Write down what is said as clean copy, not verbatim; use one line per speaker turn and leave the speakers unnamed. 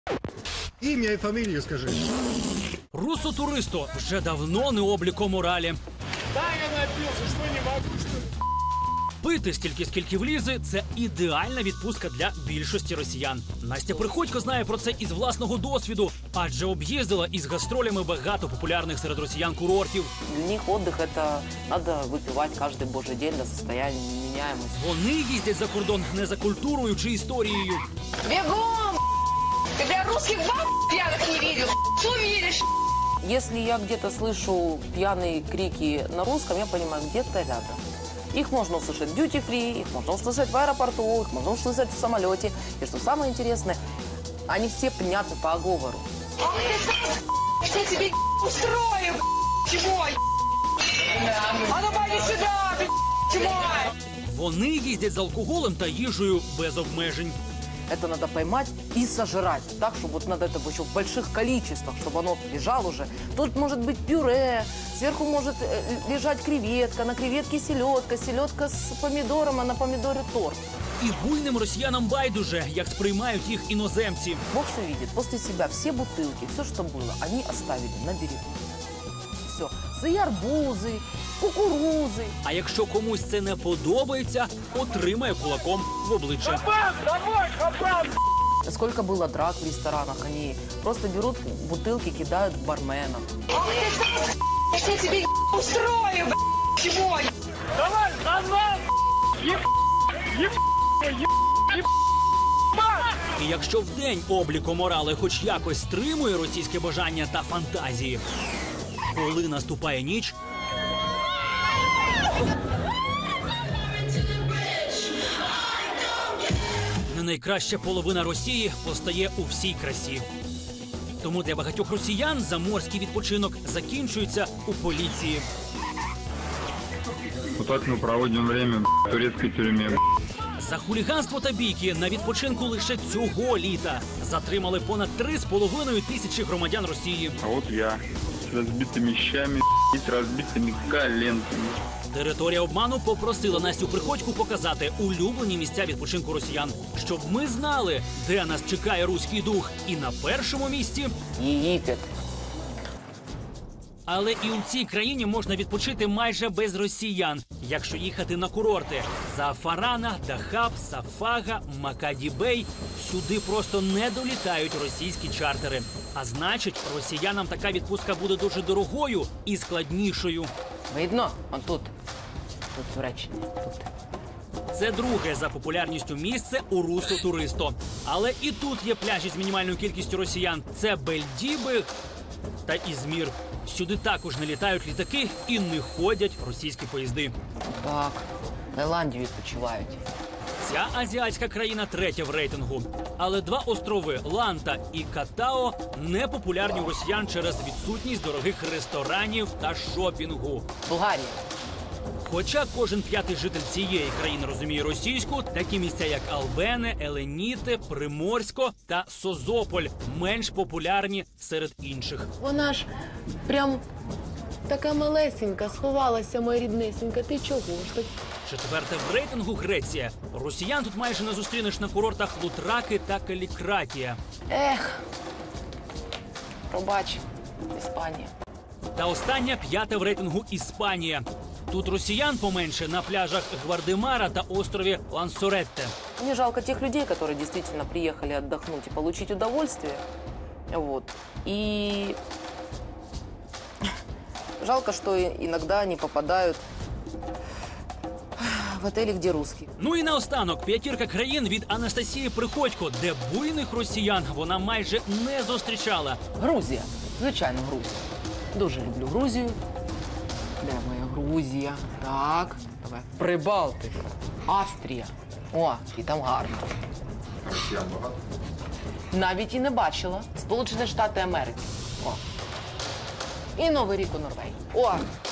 Ім'я і фамілію скажи.
Русо-туристу вже давно не обліко моралі.
Да, я напился, что не могу, что ли?
Пити стільки, скільки влізе – це ідеальна відпустка для більшості росіян. Настя Приходько знає про це із власного досвіду, адже об'їздила із гастролями багато популярних серед росіян курортів.
Для них отдых – это надо выпивать каждый божий день до состояния неменяемости.
Вони їздять за кордон не за культурою чи історією.
Бегом! Ты, бля, русских баб пьяных не видел. Что веришь?
Если я где-то слышу пьяные крики на русском, я понимаю, где-то рядом. Их можно услышать в дьюти-фри, их можно услышать в аэропорту, их можно услышать в самолете. И что самое интересное, они все понятны по оговору.
Ах ты, я тебе устрою, чего? А ну пойди сюда, чего?
Вони їздять з алкоголем та їжею без обмежень.
Это надо поймать и сожрать. Так, чтобы вот надо это еще в больших количествах, чтобы оно лежало уже. Тут может быть пюре, сверху может лежать креветка, на креветке селедка, селедка с помидором, а на помидоре торт.
І буйним росіянам байдуже, як сприймають їх іноземці.
Бог все видит. После себя все бутылки, все, что было, они оставили на берегу. Все. Свои арбузы, кукурузы.
А якщо комусь це не подобається, отримає кулаком в обличчя.
Хапан, давай, хапан!
Сколько было драк в ресторанах, они просто берут бутылки, кидают в барменов.
Ах ты, я тебе устрою, чего?
Давай, давай!
І якщо вдень обліко морали хоч якось стримує російське бажання та фантазії, коли наступає ніч, не найкраща половина Росії постає у всій красі. Тому для багатьох росіян заморський відпочинок закінчується у поліції.
Вот так мы проводим время в турецкой тюрьме.
За хуліганство та бійки на відпочинку лише цього літа затримали понад 3,5 тисячі громадян Росії.
А вот я с разбитыми щами, с разбитыми коленками.
Територія обману попросила Настю Приходьку показати улюблені місця відпочинку росіян, щоб ми знали, де нас чекає руський дух. І на першому місці.
Египет.
Але і у цій країні можна відпочити майже без росіян, якщо їхати на курорти. Зафарана, Дахаб, Сафага, Макаді-Бей. Сюди просто не долітають російські чартери. А значить, росіянам така відпустка буде дуже дорогою і складнішою.
Видно? Он тут. Тут Туреччина. Тут.
Це друге за популярністю місце у Русо-туристо. Але і тут є пляжі з мінімальною кількістю росіян. Це Бельдібиг та Ізмір. Сюди також не літають літаки і не ходять російські поїзди.
Так, в Таїланді відпочивають.
Ця азіатська країна третя в рейтингу. Але два острови – Ланта і Катао – не популярні у росіян через відсутність дорогих ресторанів та шопінгу.
Болгарія.
Хоча кожен п'ятий житель цієї країни розуміє російську, такі місця, як Албене, Еленіте, Приморсько та Созополь менш популярні серед інших.
Вона ж прям така малесенька, сховалася, моя ріднесенька. Ти чого ж так?
Четверте в рейтингу – Греція. Росіян тут майже не зустрінеш на курортах Лутраки та Калікратія.
Ех, пробач, Іспанія.
Та остання п'ята в рейтингу – Іспанія. Тут росіян поменше на пляжах Гвардемара та острові Лансоретте.
Мне жалко тех людей, которые действительно приехали отдохнуть и получить удовольствие. Вот. И жалко, что иногда они попадают в отели, где русские.
Ну і наостанок п'ятірка країн від Анастасії Приходько, де буйних росіян вона майже не зустрічала.
Грузія. Звичайно, Грузія. Дуже люблю Грузію. Де моя Грузія? Так, давай. Прибалтика. Австрія. О, і там гарно.
Росіян багато?
Навіть і не бачила. Сполучені Штати Америки. О. І Новий рік у Норвегії. О,